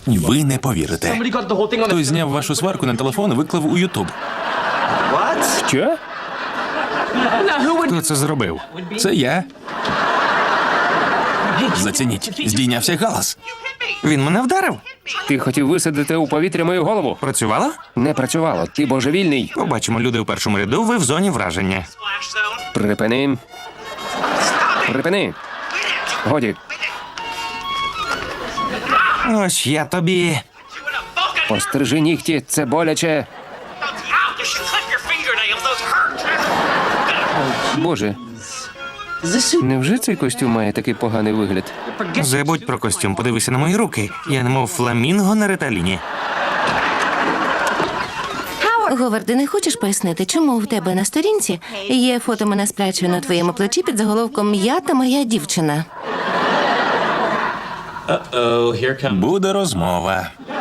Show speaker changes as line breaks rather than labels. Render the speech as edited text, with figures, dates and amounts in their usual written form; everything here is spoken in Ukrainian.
Ви не повірите. Хтось зняв вашу сварку на телефон і виклав у Ютуб.
Що?
Хто це зробив?
Це я. Зацініть, здійнявся галас.
Він мене вдарив?
Ти хотів висадити у повітря мою голову?
Працювало?
Не працювало. Ти божевільний.
Побачимо, люди у першому ряду, ви в зоні враження.
Припини. Припини. Годі.
Ось я тобі.
Пострижи нігті, це боляче. Боже. Невже цей костюм має такий поганий вигляд?
Забудь про костюм, подивися на мої руки. Я немов фламінго на реталіні.
Говарде, не хочеш пояснити, чому в тебе на сторінці є фото мене з прячою на твоєму плечі під заголовком «Я та моя дівчина»?
Буде розмова.